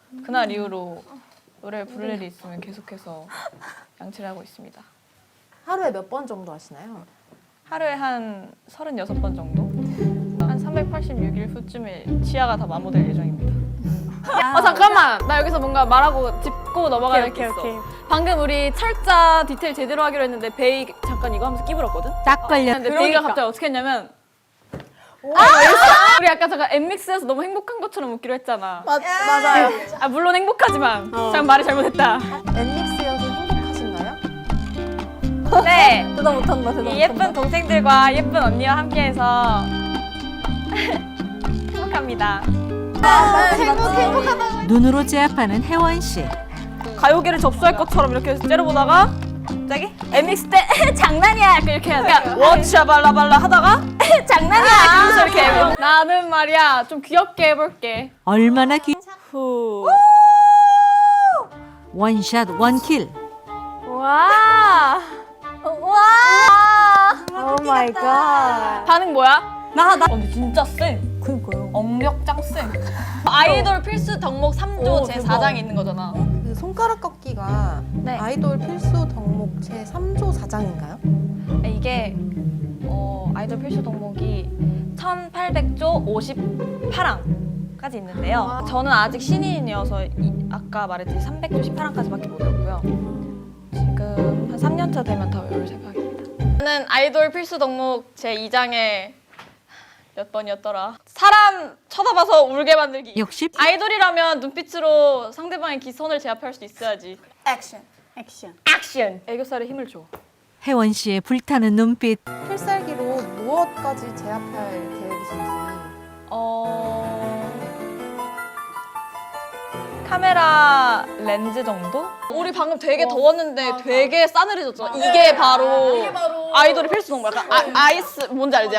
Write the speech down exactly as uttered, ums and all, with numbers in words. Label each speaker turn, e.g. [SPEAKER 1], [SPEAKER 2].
[SPEAKER 1] 그날 이후로 노래 부를 일이 있으면 계속해서 양치를 하고 있습니다.
[SPEAKER 2] 하루에 몇 번 정도 하시나요?
[SPEAKER 1] 하루에 한 서른여섯 번 정도? 한 삼백팔십육 일 후쯤에 치아가 다 마모될 예정입니다.
[SPEAKER 3] 아 잠깐만, 나 여기서 뭔가 말하고 짚고 넘어가야 될 게 있어. 방금 우리 철자 디테일 제대로 하기로 했는데 베이 잠깐 이거 하면서 끼부렸거든?
[SPEAKER 4] 딱 걸려.
[SPEAKER 3] 근데 베이가 갑자기 어떻게 했냐면 아! 우리 아까 잠깐 엠믹스에서 너무 행복한 것처럼 웃기로 했잖아.
[SPEAKER 2] 맞, 맞아요.
[SPEAKER 3] 아 물론 행복하지만 잠깐 말을 잘못했다.
[SPEAKER 2] 엠믹스여서 행복하신가요?
[SPEAKER 1] 네!
[SPEAKER 2] 대답 못한다, 대답
[SPEAKER 1] 이 예쁜 동생들과 예쁜 언니와 함께해서 행복합니다.
[SPEAKER 4] 눈으로 제압하는 혜원 씨.
[SPEAKER 3] 가요계를 접수할 것처럼 이렇게 째려보다가 갑자기 엠믹스 때 장난이야 약간 이렇게 해야 돼. 워치야 발라발라 하다가 장난이야 그러면서 이렇게 해요. 나는 말이야 좀 귀엽게 해볼게.
[SPEAKER 4] 얼마나 귀...
[SPEAKER 3] 후.
[SPEAKER 4] 원샷 원킬.
[SPEAKER 3] 와.
[SPEAKER 2] 와! 오 마이 갓.
[SPEAKER 3] 반응 뭐야?
[SPEAKER 1] 나, 나. 어, 근데 진짜 쎄.
[SPEAKER 2] 그니까요.
[SPEAKER 1] 엄력 짱 쎄. 아이돌 필수 덕목 삼 조
[SPEAKER 2] 오,
[SPEAKER 1] 제사 장에 있는 거잖아.
[SPEAKER 2] 그 손가락 꺾기가
[SPEAKER 1] 네.
[SPEAKER 2] 아이돌 필수 덕목 제삼 조 사 장인가요?
[SPEAKER 1] 이게 어, 아이돌 필수 덕목이 천팔백 조 오십팔 항까지 있는데요. 저는 아직 신인이어서 이, 아까 말했듯이 삼백 조 십팔 항까지밖에 못 외웠고요. 지금 한 삼 년 차 되면 다 외울 생각입니다. 저는 아이돌 필수 덕목 제이 장에 몇 번이었더라? 사람 쳐다봐서 울게 만들기.
[SPEAKER 4] 역시
[SPEAKER 1] 아이돌이라면 눈빛으로 상대방의 기선을 제압할 수 있어야지.
[SPEAKER 5] 액션, 액션.
[SPEAKER 1] 액션! 애교살에 힘을 줘.
[SPEAKER 4] 혜원 씨의 불타는 눈빛.
[SPEAKER 2] 필살기로 무엇까지 제압할 계획이신지.
[SPEAKER 1] 어... 카메라 렌즈 정도? 우리 방금 되게 더웠는데 되게 싸늘해졌잖아. 이게 바로, 아이돌의 필수 덕목. 약간 아, 아이스 뭔지 알지?